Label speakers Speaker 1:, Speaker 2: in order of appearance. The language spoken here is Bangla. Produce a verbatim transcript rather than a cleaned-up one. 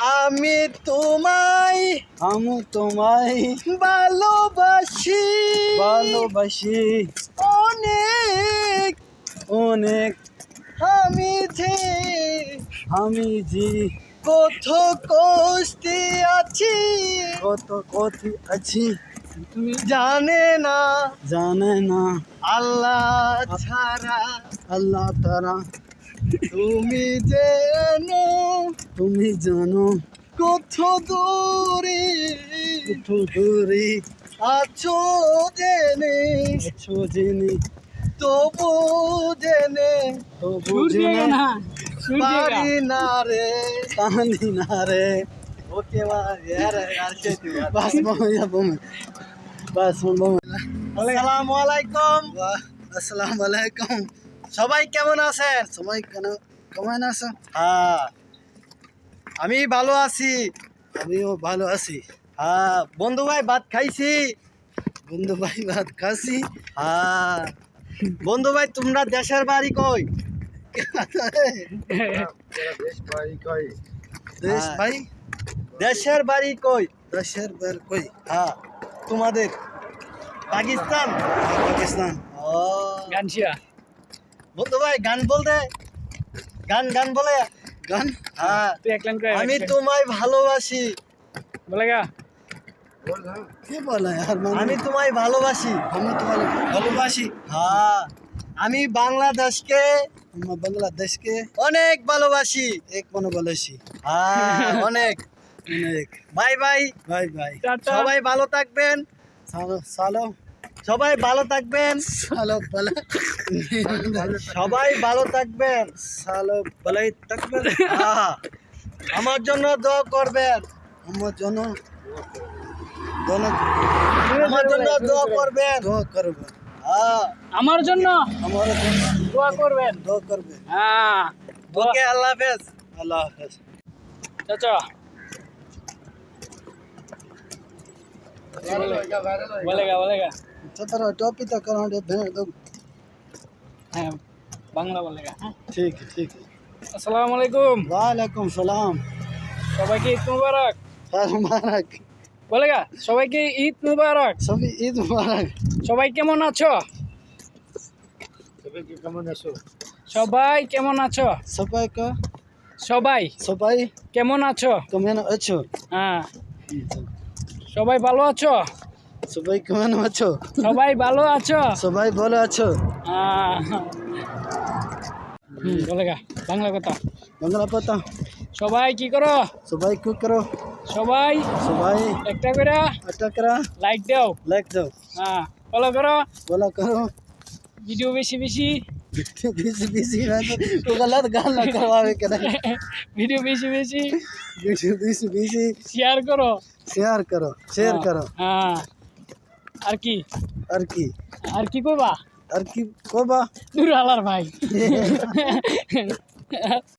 Speaker 1: আমি তোমায়
Speaker 2: আমি তোমায়
Speaker 1: ভালোবাসি
Speaker 2: ভালোবাসি
Speaker 1: অনেক
Speaker 2: অনেক।
Speaker 1: আমি যে
Speaker 2: আমি যে
Speaker 1: কত কষ্টে আছি
Speaker 2: কত কথি আছি
Speaker 1: তুমি জানে না
Speaker 2: জানে না
Speaker 1: আল্লাহ ছাড়া
Speaker 2: আল্লাহ তারা।
Speaker 1: তুমি যেন
Speaker 2: তুমি জানো
Speaker 1: কত দূরে
Speaker 2: কত দূরে
Speaker 1: আছো জেনে
Speaker 2: আছো জেনে
Speaker 1: তবু জেনে
Speaker 2: তো বুঝে না
Speaker 1: পারি না রে
Speaker 2: কান্দি না রে।
Speaker 1: ওকে মা यार यार से
Speaker 2: বাস বমি বমি বাস বমি।
Speaker 1: আসসালামু আলাইকুম
Speaker 2: আসসালামু আলাইকুম।
Speaker 1: সবাই কেমন আছেন?
Speaker 2: সবাই কেন কেমন আছো?
Speaker 1: হ্যাঁ আমি ভালো আছি।
Speaker 2: আমিও ভালো আছি।
Speaker 1: হ্যাঁ বন্ধু ভাই ভাত খাইছি।
Speaker 2: বন্ধু ভাই ভাত খাসি।
Speaker 1: হ্যাঁ বন্ধু ভাই তোমরা দেশের বাড়ি কই?
Speaker 2: দেশ ভাই কই? দেশ
Speaker 1: হ্যাঁ।
Speaker 2: ভাই
Speaker 1: দেশের বাড়ি কই?
Speaker 2: দেশের বের কই?
Speaker 1: হ্যাঁ তোমাদের পাকিস্তান।
Speaker 2: পাকিস্তান।
Speaker 1: ও
Speaker 3: গানশিয়া
Speaker 1: বন্ধু ভাই গান বলতে গান গান বলে
Speaker 2: গান
Speaker 1: হ্যাঁ
Speaker 3: তুই এক লাইন করে
Speaker 1: আমি তোমায় ভালোবাসি
Speaker 3: বলেগা
Speaker 2: কে বলে यार?
Speaker 1: আমি তোমায় ভালোবাসি
Speaker 2: আমি তোমার ভালোবাসি।
Speaker 1: হ্যাঁ আমি বাংলাদেশকে
Speaker 2: আমরা বাংলাদেশকে
Speaker 1: অনেক ভালোবাসি।
Speaker 2: এক মনে বলেছি।
Speaker 1: হ্যাঁ অনেক।
Speaker 2: অনেক।
Speaker 1: Bye bye.
Speaker 2: ভাই ভাই
Speaker 1: সবাই ভালো থাকবেন।
Speaker 2: সালো সালো
Speaker 1: সবাই ভালো থাকবেন।
Speaker 2: সালো বলে
Speaker 1: সবাই ভালো থাকবেন।
Speaker 2: সালো বলাই থাকবে।
Speaker 1: হ্যাঁ আমার জন্য দোয়া করবেন।
Speaker 2: আমার জন্য দোনো
Speaker 1: আমার জন্য দোয়া করবেন।
Speaker 2: দোয়া করবে।
Speaker 1: হ্যাঁ
Speaker 3: আমার জন্য
Speaker 2: আমার জন্য
Speaker 3: দোয়া করবেন।
Speaker 2: দোয়া করবে।
Speaker 3: হ্যাঁ
Speaker 1: ওকে আল্লাহ হাফেজ।
Speaker 2: আল্লাহ হাফেজ।
Speaker 3: চাচা বলেগা বলেগা
Speaker 2: चतरा टॉपी तो करा दे भेड़ दो।
Speaker 3: হ্যাঁ বাংলা বলেগা হ্যাঁ।
Speaker 2: ठीक है ठीक है।
Speaker 3: আসসালামু আলাইকুম
Speaker 2: वालेकुम सलाम।
Speaker 3: সবাইকে ঈদ মুবারক
Speaker 2: खैर मुबारक।
Speaker 3: বলেগা সবাইকে ঈদ মুবারক।
Speaker 2: सभी ईद मुबारक।
Speaker 3: সবাই কেমন আছো?
Speaker 2: सभी के कमन आसो।
Speaker 3: সবাই কেমন আছো?
Speaker 2: सबाई का
Speaker 3: সবাই
Speaker 2: सबाई
Speaker 3: কেমন আছো?
Speaker 2: कमन अच्छो।
Speaker 3: হ্যাঁ সবাই ভালো আছো?
Speaker 2: सबाई कमन अच्छो।
Speaker 3: সবাই ভালো আছো?
Speaker 2: सबाई बोलो अच्छो।
Speaker 3: হ্যাঁ হুম বলেগা বাংলা কথা।
Speaker 2: बंगला पता
Speaker 3: সবাই কি করো?
Speaker 2: सबाई को करो।
Speaker 3: সবাই
Speaker 2: सबाई
Speaker 3: একটা করে
Speaker 2: अटक करा
Speaker 3: লাইক দাও।
Speaker 2: लाइक दो।
Speaker 3: হ্যাঁ ফলো করো
Speaker 2: बोला करो।
Speaker 3: ভিডিও বেশি বেশি
Speaker 2: बिजी बिजी में तो गलत गाना करवावे के नहीं।
Speaker 3: ভিডিও বেশি বেশি
Speaker 2: बिजी बिजी बिजी
Speaker 3: শেয়ার করো।
Speaker 2: शेयर करो शेयर करो।
Speaker 3: হ্যাঁ আর কি
Speaker 2: और की
Speaker 3: আর কি করবা?
Speaker 2: और की कोबा
Speaker 3: দূর আলার ভাই